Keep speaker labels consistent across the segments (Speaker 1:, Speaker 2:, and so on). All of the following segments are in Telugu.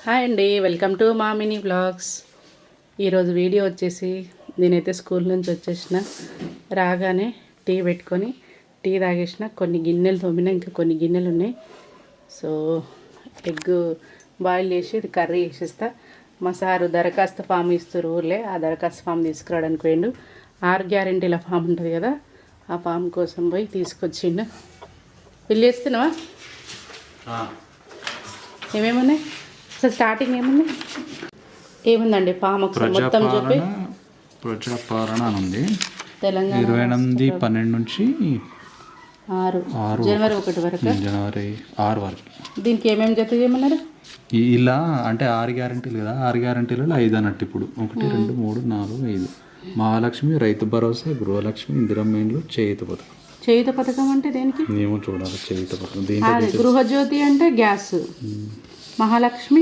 Speaker 1: హాయ్ అండి, వెల్కమ్ టు మా మినీ వ్లాగ్స్. ఈరోజు వీడియో వచ్చేసి నేనైతే స్కూల్ నుంచి వచ్చేసిన, రాగానే టీ పెట్టుకొని టీ తాగేసిన, కొన్ని గిన్నెలు తోమిన, ఇంకా కొన్ని గిన్నెలు ఉన్నాయి. సో ఎగ్ బాయిల్ చేసి ఇది కర్రీ చేసేస్తా. మా సారు దరఖాస్తు ఫామ్ ఇస్తారు ఊర్లే, ఆ దరఖాస్తు ఫామ్ తీసుకురావడానికి పోయిండు. 6 గ్యారెంటీల ఫామ్ ఉంటుంది కదా, ఆ ఫామ్ కోసం పోయి తీసుకొచ్చిండు. బిల్ చేస్తున్నావా? ఏమేమున్నాయి అసలు? స్టార్టింగ్ ఏముందండి ఫామ్ ఒకసారి మొత్తం చెప్పి.
Speaker 2: ప్రజాపాలన అని ఉంది.
Speaker 1: తెలంగాణ
Speaker 2: 28/12 నుంచి
Speaker 1: 6 జనవరి 1 వరకు,
Speaker 2: జనవరి 6 వరకు.
Speaker 1: దీనికి ఏమేమి జత చేయమన్నారు?
Speaker 2: ఇలా అంటే 6 గ్యారెంటీలు కదా, 6 గ్యారెంటీలలో 5 అన్నట్టు. ఇప్పుడు 1 2 3 4 5 మహాలక్ష్మి, రైతు భరోసా, గృహలక్ష్మి, ఇందిరమ్మ ఇండ్లు, చేయుత పథకం.
Speaker 1: చేయుత పథకం అంటే దేనికి?
Speaker 2: మేము చూడాలి. చేయుత పథకం
Speaker 1: గృహజ్యోతి అంటే గ్యాస్, మహాలక్ష్మి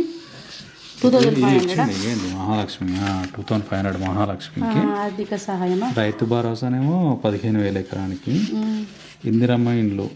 Speaker 1: 2500,
Speaker 2: మహాలక్ష్మి 2500 మహాలక్ష్మికి.
Speaker 1: ఆర్థిక సహాయమా?
Speaker 2: రైతు భరోసానేమో 15,000 ఎకరానికి. ఇందిరమ్మ ఇండ్లు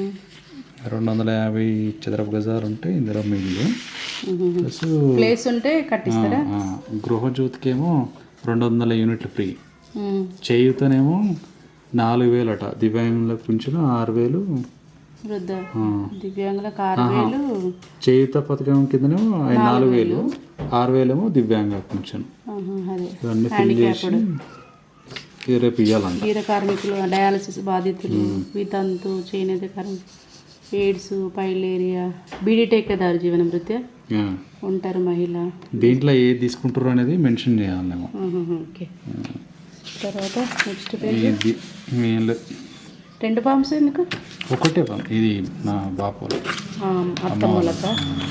Speaker 2: 250 చదరపు గజాలు ఉంటే ఇందిరమ్మ ఇండ్లు
Speaker 1: ప్లేస్ ఉంటే కట్టిస్తారా.
Speaker 2: గృహజ్యోతికేమో 200 యూనిట్లు ఫ్రీ. చేయుతనేమో 4,000 అట. దివ్యాంగులకు పింఛను 6,000.
Speaker 1: వృద్ధ దివ్యాంగులకు 6,000.
Speaker 2: చేయుత పథకం కిందనేమో 4,000, 6,000 ఏమో దివ్యాంగ పింఛను. ఇవన్నీ ఫిల్ చేసి రేపు ఇవ్వాలంట.
Speaker 1: గీర కార్మికులు, డయాలసిస్ బాధితులు, వితంతు, చేనేత కార్మికులు, ఎయిడ్స్, పైలేరియా, బీడీ టేకేదారు, జీవన వృత్తి ఉంటారు మహిళ.
Speaker 2: దీంట్లో ఏది తీసుకుంటారు అనేది మెన్షన్ చేయాలేమో.
Speaker 1: ఓకే. తర్వాత నెక్స్ట్ పేజ్ 2 ఫామ్స్ ఎందుకు?
Speaker 2: ఒకటే ఫామ్. ఇది నా బాపు
Speaker 1: అత్తమ్మలక.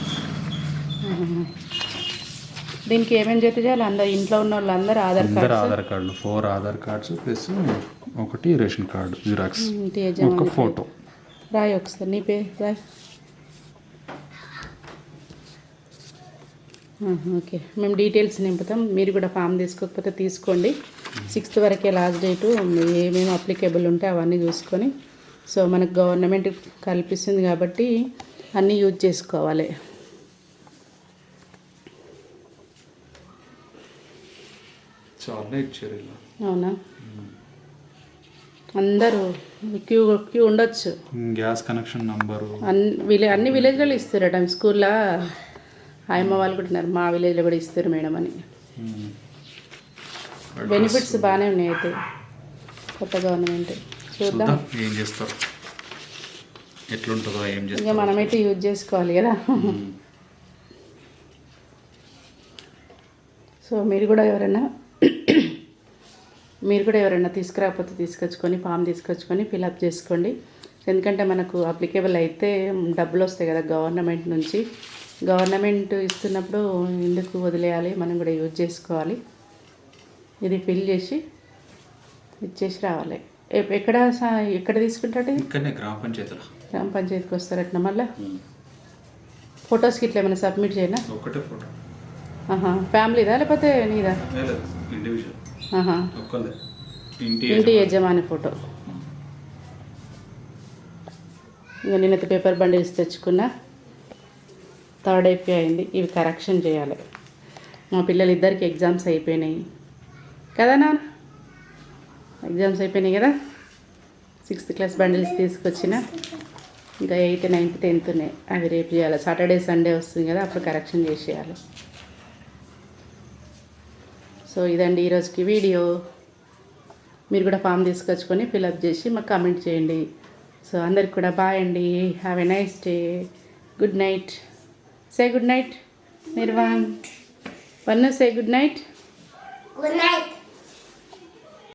Speaker 1: దీనికి ఏమేమి జత చేయాలి? అందరు ఇంట్లో ఉన్న వాళ్ళందరూ ఆధార్
Speaker 2: కార్డులు 4 Aadhaar cards plus 1 ration card xerox, ఒక ఫోటో.
Speaker 1: రాయి ఒకసారి నీ పేరు రాయి. ఓకే, మేము డీటెయిల్స్ నింపుతాం. మీరు కూడా ఫామ్ తీసుకోకపోతే తీసుకోండి. 6th వరకే లాస్ట్ డేటు. ఏమేమి అప్లికేబుల్ ఉంటే అవన్నీ చూసుకొని, సో మనకు గవర్నమెంట్ కల్పిస్తుంది కాబట్టి అన్నీ యూజ్ చేసుకోవాలి. అవునా? అందరూ క్యూ ఉండొచ్చు.
Speaker 2: గ్యాస్ కనెక్షన్ నంబరు
Speaker 1: అన్ని విలేజ్లలో ఇస్తారట. స్కూల్లో ఆయమ్మ వాళ్ళు కూడా ఉన్నారు, మా విలేజ్లో కూడా ఇస్తారు మేడం అని. బెనిఫిట్స్ బాగానే ఉన్నాయి అయితే కొత్త గవర్నమెంట్. చూద్దాం
Speaker 2: ఏం చేస్తారు, ఎట్లుంటుందో ఏం చేస్తారు.
Speaker 1: ఇంకా మనమైతే యూజ్ చేసుకోవాలి కదా. సో మీరు కూడా ఎవరైనా తీసుకురాకపోతే తీసుకొచ్చుకొని ఫామ్ తీసుకొచ్చుకొని ఫిలప్ చేసుకోండి. ఎందుకంటే మనకు అప్లికేబుల్ అయితే డబ్బులు వస్తాయి కదా గవర్నమెంట్ నుంచి. గవర్నమెంట్ ఇస్తున్నప్పుడు ఎందుకు వదిలేయాలి, మనం కూడా యూజ్ చేసుకోవాలి. ఇది ఫిల్ చేసి ఇచ్చేసి రావాలి. ఎక్కడ తీసుకుంటాడు?
Speaker 2: ఇక్కడనే గ్రామ పంచాయతీకి
Speaker 1: వస్తారట. మళ్ళీ ఫొటోస్కి ఇట్లా ఏమైనా సబ్మిట్ చేయనా?
Speaker 2: ఒకటే ఫోటో.
Speaker 1: ఫ్యామిలీదా లేకపోతే నీదా? ఇంటి యజమాని ఫోటో. ఇంకా నేనైతే పేపర్ బండిల్స్ తెచ్చుకున్నా. 3rd అయిపోయి అయింది. ఇవి కరెక్షన్ చేయాలి. మా పిల్లలు ఇద్దరికి ఎగ్జామ్స్ అయిపోయినాయి కదా నాన్న, ఎగ్జామ్స్ అయిపోయినాయి కదా. 6th క్లాస్ బండిల్స్ తీసుకొచ్చిన. ఇంకా 8th 9th 10th ఉన్నాయి. అవి రేపు చేయాలి. సాటర్డే సండే వస్తుంది కదా, అప్పుడు కరెక్షన్ చేసేయాలి. సో ఇదండి ఈరోజుకి వీడియో. మీరు కూడా ఫామ్ తీసుకొచ్చుకొని ఫిలప్ చేసి మాకు కామెంట్ చేయండి. సో అందరికి కూడా బాయ్ అండి. Have a nice day. Good night. Say good night. Nirvan, one say good night.
Speaker 3: Good night.